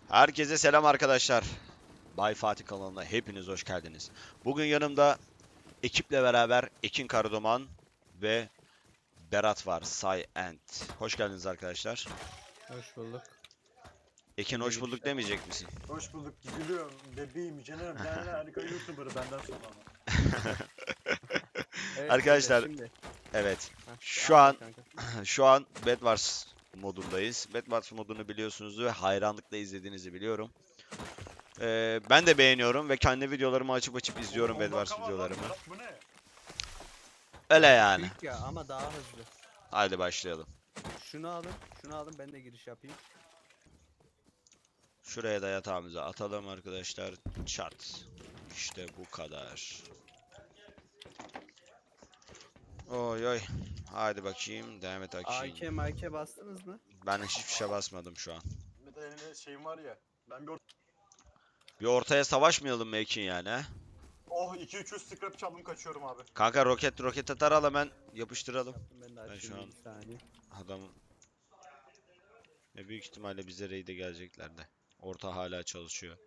Herkese selam arkadaşlar. Bay Fatih kanalına hepiniz hoş geldiniz. Bugün yanımda ekiple beraber Ekin Karaduman ve Berat var. Say. Hoş geldiniz arkadaşlar. Hoş bulduk. Ekin Ben de hoş giriş bulduk yapayım. demeyecek misin? Hoş bulduk. Gülüyorum. Bebeğim, canım. Ben harika YouTuber'ı benden sonra ama. Evet Arkadaşlar, şimdi. evet. Heh, Şu anlat an kanka. şu an Bedwars modundayız. Bedwars modunu biliyorsunuz ve hayranlıkla izlediğinizi biliyorum. Ben de beğeniyorum ve kendi videolarımı açıp izliyorum Oğlum, 10 Bedwars dakika var lan. videolarımı. Berat, bu ne? Öyle yani. Büyük ya ama daha hızlı. Haydi başlayalım. Şunu alın, şunu alın ben de giriş yapayım. Şuraya da yatağımızı atalım arkadaşlar. Çat. İşte bu kadar. Oy oy. Haydi bakayım. Devam et bakayım. AK MK bastınız mı? Ben hiçbir şey basmadım şu an. Bir de elinde şeyim var ya. Ben bir Bir ortaya savaşmayalım mı Ekin yani he? Oh 2-300 scrap çaldım, kaçıyorum abi. Kanka roket atar al hemen yapıştıralım. Yaptım ben de Ben şu açayım an- bir saniye. Adam büyük ihtimalle bize raid'e gelecekler de. Orta hala çalışıyor.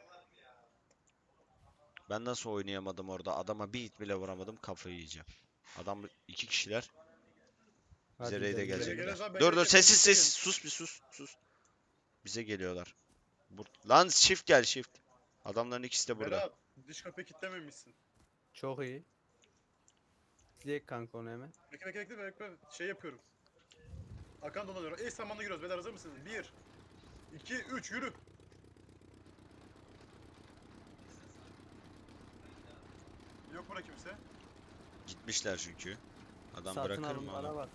Ben nasıl oynayamadım orada? Adama bir hit bile vuramadım. Kafayı yiyeceğim. Adam iki kişiler. Bize Hadi raid'e gidelim. gelecekler. Ben Dur geleceğim, sessiz ben sessiz. Sus bir sus. Bize geliyorlar. Lan shift gel shift. Adamların ikisi de burada. Berat, dış kapıyı kilitlememişsin. Çok iyi. Dilek kanka onu hemen. Bekle. Şey yapıyorum. Akan dolanıyorum. Eş zamanlı giriyoruz. Beyler hazır mısınız? 1 2 3 yürü. Yok bura kimse. Gitmişler çünkü. Adam Satın bırakır mı alımlara onu? bak.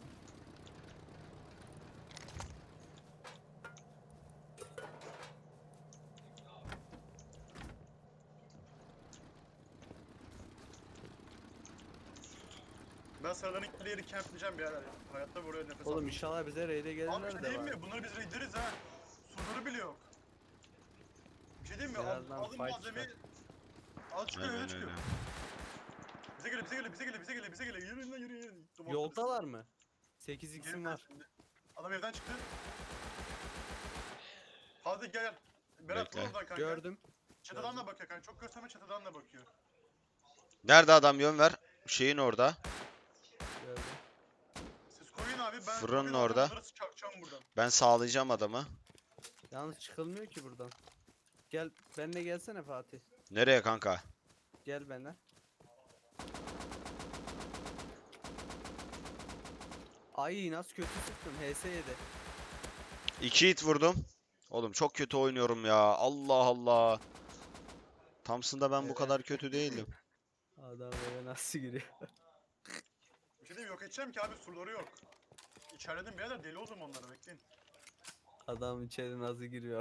Ben sıradan ilk yeri campleyeceğim birader ya. Hayatta buraya nefes Oğlum almam. inşallah bize raid'e Abi bir gelirler şey de diyeyim var. mi? Bunları biz raidleriz ha. Surları bile yok. Bir şey diyeyim mi? Birazdan Alın fight malzemeyi. Al çıkıyor, öyle Aynen çıkıyor. öyle. Bize gele. Yürüyün lan yürüyün. Yoldalar mı? 8x'im var. Adam evden çıktı. Hadi gel. Berat Bekle. vur oradan kanka. Gördüm. Çatıdan da bakıyor kanka. Çok gösterme, çatıdan da bakıyor. Nerede adam yön ver. Şeyin orada. Gördüm. Siz koyun abi, ben Fırının koyun orada. Bunları çakacağım buradan. Ben sağlayacağım adamı. Yalnız çıkılmıyor ki buradan. Gel benimle gelsene Fatih. Nereye kanka? Gel benimle. Ay nasıl kötü sıktım HS7. 2 hit vurdum. Oğlum çok kötü oynuyorum ya. Allah Allah. Thompson'da ben bu Evet. kadar kötü değildim. Adam eve nasıl giriyor? Bir şey diyeyim, yok edeceğim ki abi, surları yok. İçerledim birader, deli oldum onları, bekleyin. Adam içeri nasıl giriyor?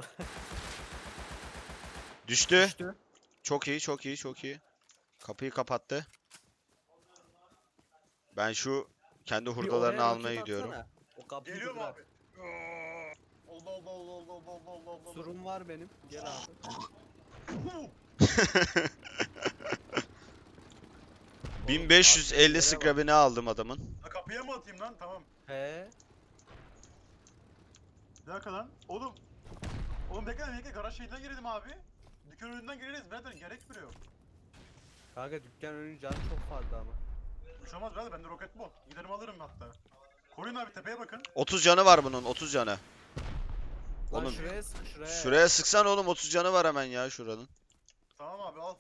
Düştü. Düştü. Çok iyi. Kapıyı kapattı. Ben şu kendi Bir hurdalarını oraya almaya roket gidiyorum. atsana. O kapıyı Geliyorum bırak. abi. Allah. Surum var benim. Gel abi. 1550 Yere bak. scrap'ini aldım adamın. Ha, kapıya mı atayım lan? Tamam. He. Bir dakika lan. Oğlum bekle, garaj şeyinden girelim abi. Dükkan önünden gireriz birader, gerekmiyor. Kanka dükkan önünün canı çok fazla ama. Bir şey olmaz birader, bende roket bol. Giderim alırım hatta. Koruyun abi, tepeye bakın. 30 canı var bunun, 30 canı. Lan Oğlum şuraya sık şuraya. şuraya sıksan oğlum, 30 canı var hemen ya şuranın. Tamam abi, al.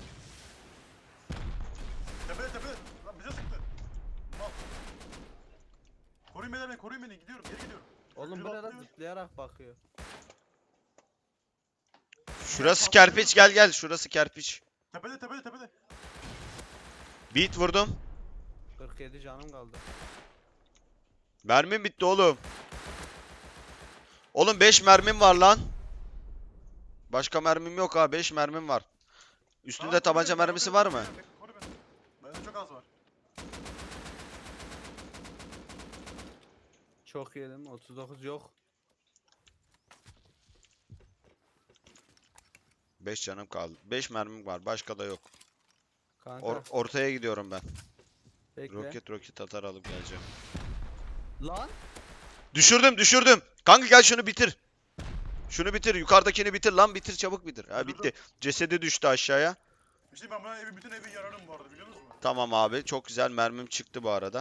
Tepede. Lan bize sıktı. Al. Koruyun beni. Gidiyorum, geri gidiyorum. Oğlum Biri bu ne lan atlıyor. zıplayarak bakıyor. Şurası kerpiç, gel. Şurası kerpiç. Tepede. Beat vurdum. 47 canım kaldı. Mermim bitti oğlum. Oğlum 5 mermim var lan. Başka mermim yok ha, 5 mermim var. Üstünde Tamam, tabanca koru beni, mermisi koru var beni, mı? koru beni. Bende çok az var. Çok yedim. 39 yok. 5 canım kaldı. 5 mermim var, başka da yok. Kanka Ortaya gidiyorum ben. bekle. Roket atar alıp geleceğim. Lan Düşürdüm. Kanka gel şunu bitir. Şunu bitir. Yukarıdakini bitir lan, bitir çabuk bitir. Ha Dur, dur, bitti. Cesedi düştü aşağıya. Bir şey ben buna bütün evi yararım bu arada biliyor musun? Tamam abi. Çok güzel mermim çıktı bu arada.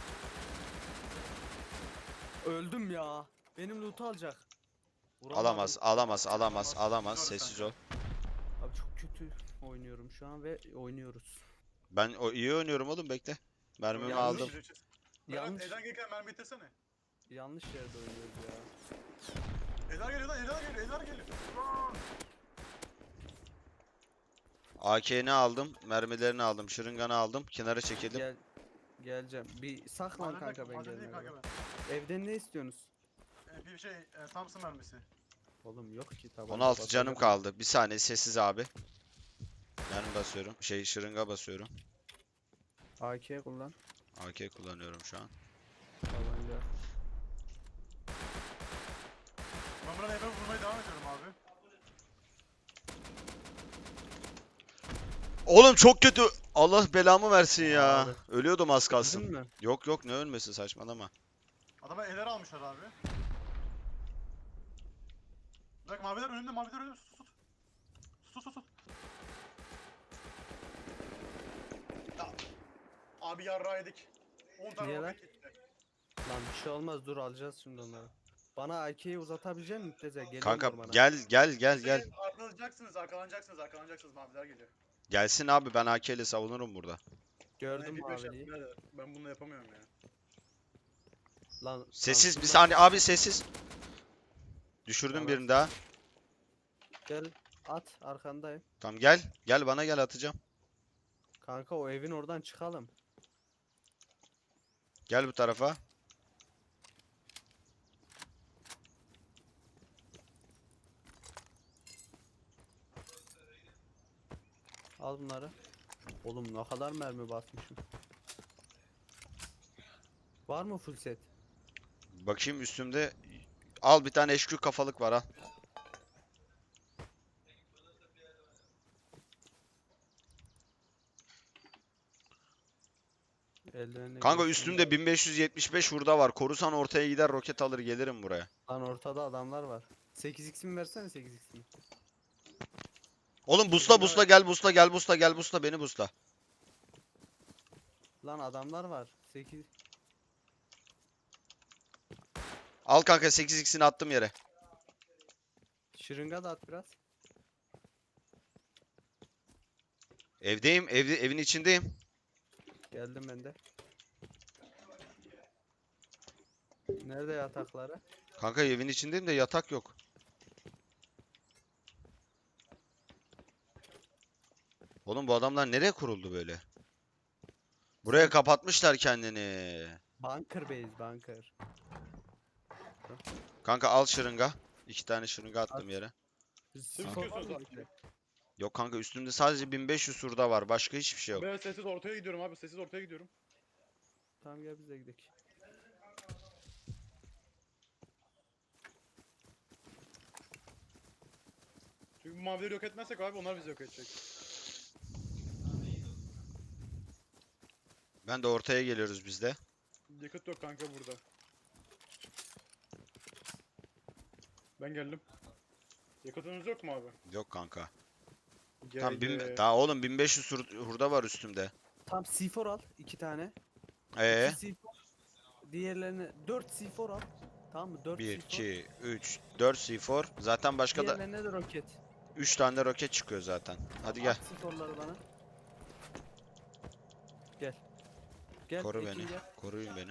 Öldüm ya. Benim loot'u alacak. Vuramadım. Alamaz, alamaz, alamaz, Alamaz. alamaz. Dur Sessiz kanka. ol. Abi çok kötü oynuyorum şu an ve oynuyoruz. Ben iyi oynuyorum oğlum, bekle. Mermimi Yanlış. aldım. Berat Yanlış. Eden gelirken mermi bitirsene. Yanlış yerde oynuyoruz ya. Eder geliyor lan, Eder geliyor, Eder geliyor. AK'ni aldım, mermilerini aldım, şırınganı aldım. Kenara çekildim. Geleceğim. Bir saklan Maden kanka yok, ben maden değil gelmeden. kanka ben. Evden ne istiyorsunuz? Bir şey, Thompson mermisi. Oğlum yok ki tabanca. 16 canım basacağım. kaldı. Bir saniye sessiz abi. Mermi basıyorum. Şırınga basıyorum. AK kullan. AK kullanıyorum şu an. Tabanca. Ben buradan eve vurmaya devam ediyorum abi. Oğlum çok kötü. Allah belamı versin ya. Abi. Ölüyordum az Öldün kalsın. mü? Yok yok, ne ölmesi, saçmalama. Adama eller almışlar abi. Bak maviler önümde, maviler önümde. Sus, sus. Sus, sus, sus. Ya, abi yarrağı yedik. 10 tane Niye lan? roket gitti. Lan bir şey olmaz, dur alacağız şimdi onları. Bana AK'yi uzatabilecek misin Teze? Geliyorum Kanka ormana. gel. Arkalanacaksınız maviler geliyor. Gelsin abi, ben AK ile savunurum burada. Gördüm Bir beş maviliği. yaptım, nerede? Ben bunu yapamıyorum ya. Lan Sessiz bir şuradan- saniye abi, sessiz. Düşürdüm Tamam. birini daha. Gel at, arkandayım. Tamam gel. Gel bana, gel atacağım. Kanka o evin oradan çıkalım. Gel bu tarafa. Al bunları. Oğlum ne kadar mermi basmışım. Var mı full set? Bakayım üstümde. Al bir tane HQ kafalık var, al. Eldivenle Kanka giresim üstümde yok. 1575 hurda var. Korusan ortaya gider, roket alır gelirim buraya. Lan ortada adamlar var. 8x'imi versene 8x'imi. Oğlum busla gel, gel busla beni busla. Lan adamlar var. 8. Al kanka, 8x'ini attım yere. Şırınga da at biraz. Evdeyim, evin içindeyim. Geldim ben de. Nerede yatakları? Kanka evin içindeyim de yatak yok. Oğlum bu adamlar nereye kuruldu böyle? Buraya kapatmışlar kendini. Bunker base, bunker. Kanka al şırınga. 2 tane şırınga attım At. yere. Skor var mı abi. içinde? Yok kanka, üstümde sadece 1500 hurda var. Başka hiçbir şey yok. Ben sessiz ortaya gidiyorum abi, sessiz ortaya gidiyorum. Tamam gel biz de gidelim. Çünkü bu mavileri yok etmezsek abi onlar bizi yok edecek. Ben de ortaya geliyoruz biz de. Yakıt yok kanka burada. Ben geldim. Yakıtınız yok mu abi? Yok kanka. Gel Tam gel. daha oğlum 1500 hurda var üstümde. Tam C4 al 2 tane. Ee? 2 C4. Diğerlerini 4 C4 al. Tamam mı? 4 1 C4. 2 3 4 C4. Zaten başka da Diğerlerine de roket. 3 tane roket çıkıyor zaten. Hadi gel. At C4'ları bana. Gel. Gel. Koru Ekin beni. gel. Koruyun beni.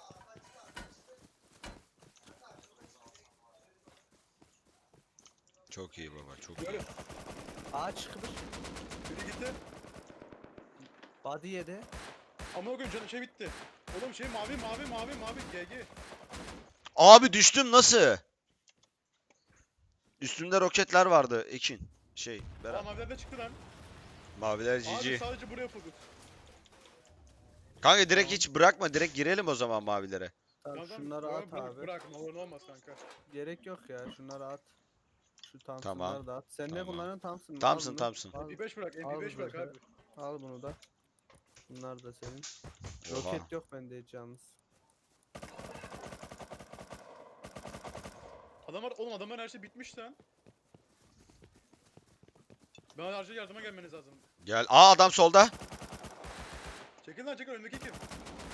Çok iyi baba, çok iyi. Böyle. Ağaç kıvır. Biri gitti. Body yedi. Ama o gün canım şey bitti. Oğlum şey mavi GG. Abi düştüm nasıl? Üstümde roketler vardı Ekin. Aa Berat. maviler de çıktı lan. Maviler Abi GG. sadece buraya yapıldı. Kanka direkt hiç bırakma, direkt girelim o zaman mavilere. Tamam Tamam, şunları tamam, at bırak, abi. Bırak ne olur ne olmaz kanka. Gerek yok ya şunları at. Şu Thompson'ları Tamam, da at. Sen ne tamam. kullanıyorsun Thompson? Thompson, Thompson. Al, MP5 bırak, Al MP5 bırak burada. abi. al bunu da. Bunlar da senin. Oha. Roket yok bende hiç yalnız. Oğlum adamların her şey bitmiş lan. Ben acil yardıma gelmeniz lazım. Gel. Aa, adam solda. Çekil lan çekil, önündeki kim?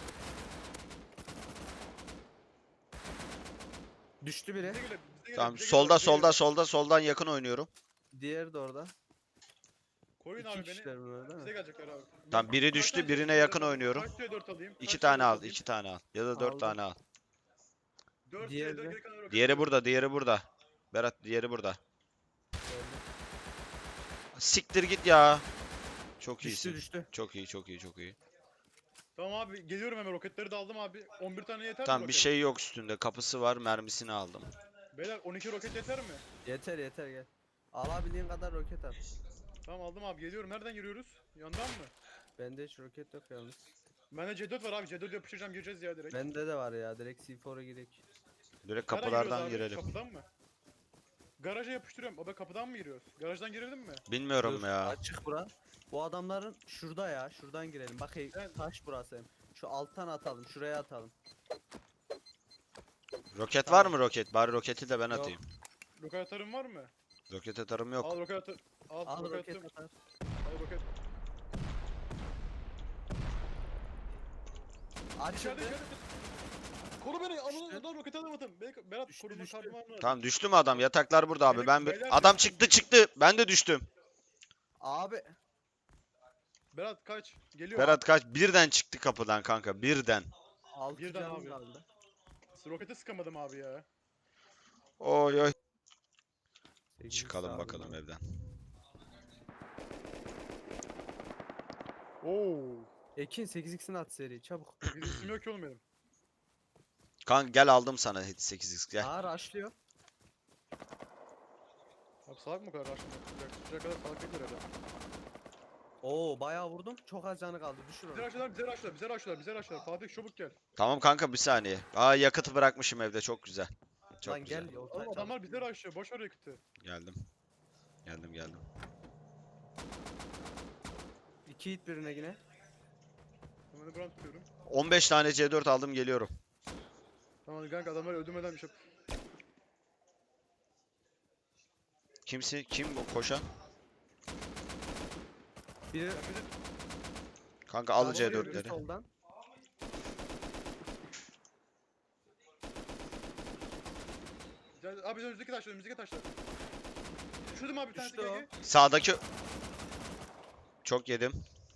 Düştü biri. Bize geliyor, bize geliyor, Tamam, bize solda geliyor, bize solda geliyor. soldan yakın oynuyorum. Diğeri de orada. Koruyun İki abi beni. kişiler bunlar değil Bize mi? gelecekler abi. Tamam, biri Kaç düştü, tane birine C4 yakın alayım? oynuyorum. Kaç C4 alayım? İki Kaç tane C4 al, alayım? 2 tane al. Ya da 4 Aldım. tane al. 4 Diğeri C4 de. geri kalan roket Diğeri atıyorum. burada, diğeri burada. Berat, diğeri burada. Gördüm. Siktir git ya. Çok Düştü iyisin. düştü. Çok iyi, çok iyi, çok iyi. Tamam abi geliyorum, hemen roketleri de aldım abi. 11 tane yeter mi Tamam, bir roket? şey yok üstünde. Kapısı var, mermisini aldım. Beyler 12 roket yeter mi? Yeter yeter gel. Alabildiğin kadar roket at. Tamam aldım abi, geliyorum. Nereden giriyoruz? Yandan mı? Bende hiç roket yok yalnız. Bende C4 var abi. C4 yapıştıracağım, gireceğiz ya direkt. Bende de var ya, direkt C4'a girek. Direkt Nereden kapılardan giriyoruz abi? girelim. Kapıdan mı? Garaja yapıştırıyorum. Abi kapıdan mı giriyoruz? Garajdan girelim mi? Bilmiyorum Dur, ya. açık bura. Bu adamların şurada ya, şuradan girelim. Bak Evet. taş burası hem. Şu alttan atalım, şuraya atalım. Roket var mı roket? Bari roketi de ben Yok. atayım. Roket atarım var mı? Roket atarım yok. Al roket atı. Al, Al roket roket attım. atar. Al roket. İçeride Açıldı. içeride. Koru beni. Düştü. Lan roket atamadım. Berat Düştü, koruma düştü. kartım var mı? Tamam, düştü mü adam? Yataklar burada abi. Ben Beyler, adam düştü. çıktı. Ben de düştüm. Abi Berat kaç. Geliyor. Berat kaç? Birden çıktı kapıdan kanka. Birden. 6 Birden canım abi. kaldı. Rokete sıkamadım abi ya. Oy oy. Sekiz Çıkalım sağ bakalım olun. evden. Oo. Ekin 8x'ini at seri çabuk. Bir isim yok ki oğlum benim. Kanka gel, aldım sana 8x gel. Ağır açlıyor. Abi salak mı o kadar aşkına? Şuraya kadar salak değildir herhalde. Oo bayağı vurdum. Çok az canı kaldı. Düşür Bize onu. raşlar, bize raşlar, bize raşlar, bize raşlar. Fatih çabuk gel. Tamam kanka, bir saniye. Aa, yakıtı bırakmışım evde, çok güzel. Çok Lan güzel. gel ya. Oğlum adamlar bize raşlıyor. Boş ver yakıtı. Geldim. Geldim. 2 hit birine yine. Hemen de buranı tutuyorum. 15 tane C4 aldım, geliyorum. Tamam hadi kanka, adamları öldürmeden bir şey. Kimsi? Kim bu koşan? Biri Ya bir de Kanka al sağdan, biri C4'leri. soldan. Abi önümüzdeki taşlar, önümüzdeki taşlar. Düşürdüm abi bir tanesi, Düştü gel o. gel. Sağdaki... Çok yedim.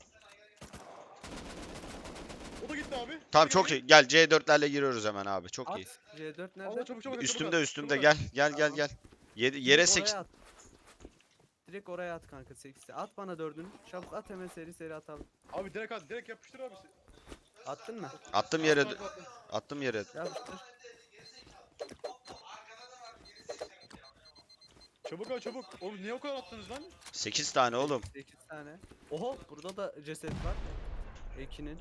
O da gitti abi. Tamam, Gel, çok gel, iyi. Gel, C4'lerle giriyoruz hemen abi. Çok At. iyi. C4 gel. nerede? Allah çabuk çabuk. Üstümde Çabuk. gel. Tamam. Gel. Yere Direkt 8. oraya at. Direkt oraya at kanka 8'i. At bana 4'ünü. Çabuk at, hemen seri atalım. Abi direkt at, direkt yapıştır abi. Attın mı? Attım yere. Attım. Attım yere. Yapıştır. Çabuk abi çabuk. Oğlum niye o kadar attınız lan? 8 tane oğlum. 8 tane. Oho burada da ceset var. Ekin'in.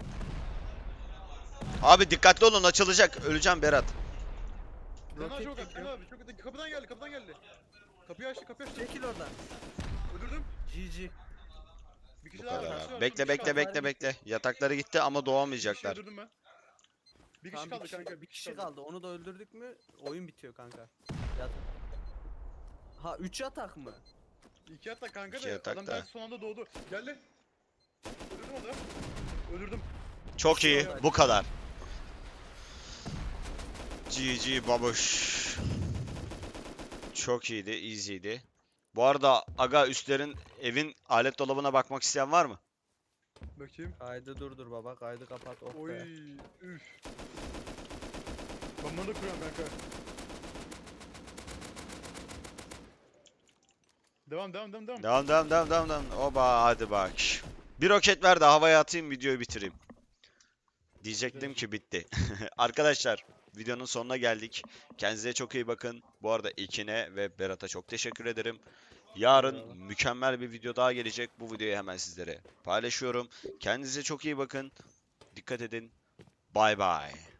Abi dikkatli olun, açılacak. Öleceğim Berat. Sen daha Roket çok at. Sen çekiyor. abi çok kapıdan geldi, kapıdan geldi. Kapıyı açtı, kapıyı açtı. Çekil oradan. Öldürdüm. GG. Bir kişi Bu daha kadar var. abi. Bekle. Yatakları gitti ama Bir kişi doğamayacaklar. öldürdüm ben. Bir kişi Tamam, kaldı kanka. bir kişi kaldı. Onu da öldürdük mü oyun bitiyor kanka. Yatak. Ha 3 yatak mı? İki yatta kanka İki da yatak adam da. belki son anda doğdu. Geldi. Öldürdüm onu. Öldürdüm. Çok iyi. Bu kadar. GG babuş. Çok iyiydi. Easy'ydi. Bu arada aga, üstlerin evin alet dolabına bakmak isteyen var mı? Bakayım. Kaydı durdur baba. Kaydı kapat. Oh Oy. be. Üf. Ben bunu da kuruyorum kanka. Devam. Devam. Oba, hadi bak. Bir roket ver de havaya atayım, videoyu bitireyim. Diyecektim ki bitti. Arkadaşlar, videonun sonuna geldik. Kendinize çok iyi bakın. Bu arada Ekin'e ve Berat'a çok teşekkür ederim. Yarın Eyvallah. mükemmel bir video daha gelecek. Bu videoyu hemen sizlere paylaşıyorum. Kendinize çok iyi bakın. Dikkat edin. Bay bay.